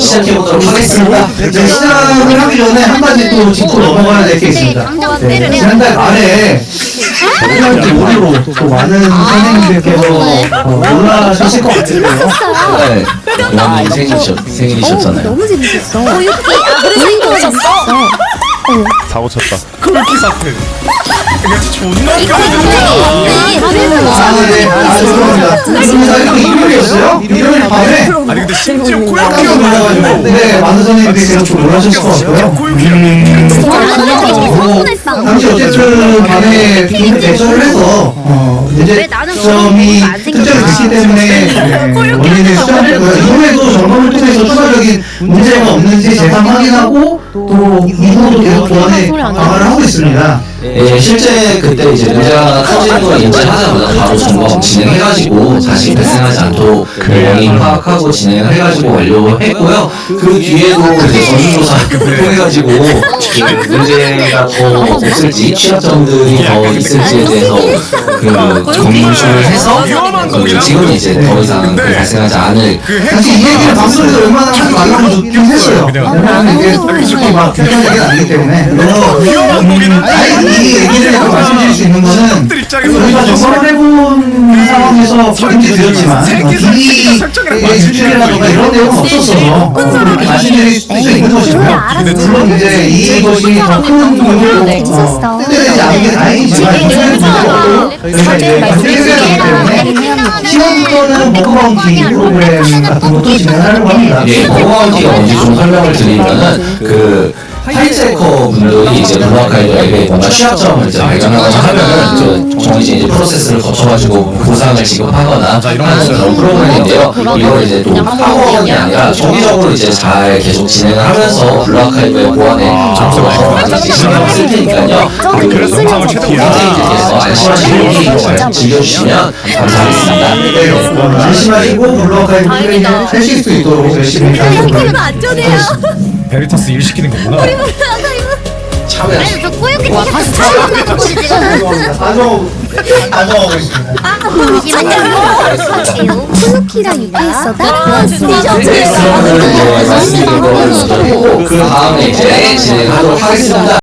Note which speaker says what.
Speaker 1: 시작해보도록 하겠습니다.
Speaker 2: 시작을 하기 전에 한 가지 또 짚고 넘어가야 될 게 있습니다. 지난달 말에 고등학교 모의로 또 많은 선생님들께서 놀라셨을 것 같은데요.
Speaker 1: 네, 영원님 생일이셨잖아요.
Speaker 3: 너무 재밌었어.
Speaker 4: 그래서 오셨어?
Speaker 5: 사고 쳤다.
Speaker 6: 그렇게 사태. 그냥 존나
Speaker 2: 네, 죄송합니다. 이거 일요일이었어요? 일요일 밤에
Speaker 6: 아니 근데 심지어
Speaker 2: 깜짝
Speaker 6: 코요키가
Speaker 2: 놀라가지고 네, 많은 선생님들께서 좀 놀라셨을 것 같고요. 당시 어쨌든 밤에 빈 대처를 해서 문제점이 특정이 됐기 때문에 원인을 수정했고요. 이후에도 점검을 통해서 추가적인 문제가 없는지 재상 확인하고 또 이후로도 계속 보완에 강화를 하고 있습니다.
Speaker 1: 예, 실제 그때 이제 문제가 터지는 걸 인지하자마자 바로 점검 진행해가지고 다시 발생하지 않도록 그 원인 파악하고 진행을 해가지고 완료했고요. 그 뒤에도 이제 전수조사를 통해가지고 그 문제가 더 없을지 취약점들이 더 있을지에 대해서 그 검수를 해서 그 지금은 이제 더 이상 그 발생하지 않을
Speaker 2: 사실 이 얘기를 방송에서 얼마나 하지 말라고 느끼긴 했어요. 왜냐면 이게 솔직히 막 불편한 얘기는 아니기 때문에. 그래서 이 얘기를 말씀드릴 수 있는 거는 우리가 점검을 해본 상황에서 문제 드렸지만 이 수준이라든가 이런 내용은 없었어서 그렇게 말씀드릴 수 있는 것이고요. 물론 이제 이것이 더 큰 문제로 뜨들리지 않는 게 다행이지만 저희가 이제 관리해야 하기 때문에 10월부터는 버커바운티 프로그램 같은 것도 진행하려고 합니다.
Speaker 1: 예, 버거운티가 뭔지 좀 설명을 드리면은 그 하이테커 분들이 이제 블루아카이드 앱에 뭔가 취약점을 이제 발견하거나 하면은 정해진 이제 프로세스를 거쳐가지고 보상을 지급하거나 하는 그런 프로그램인데요. 이걸 이제 또 학원이 아니라 정기적으로 이제 잘 계속 진행을 하면서 블루아카이드의 보안에 점수가 이제 신경을 쓸 테니까요.
Speaker 6: 그래서 영상을 최대한
Speaker 1: 홈페이지에서 안심하시고 잘 즐겨주시면 감사하겠습니다.
Speaker 2: 네, 안심하시고 블루아카이드 플레이 하실 수 있도록 열심히 하도록
Speaker 4: 안전해요.
Speaker 6: 베리타스 일 시키는 거구나.
Speaker 1: 참여해
Speaker 4: 아니 저 꼬였기 다시 촬영하는 거지 지금.
Speaker 2: 가져가고 있습니다.
Speaker 3: 쿠누키랑 유쾌했어다?
Speaker 1: 네, 말씀드린 거 그 다음에 이제 진행하도록 하겠습니다.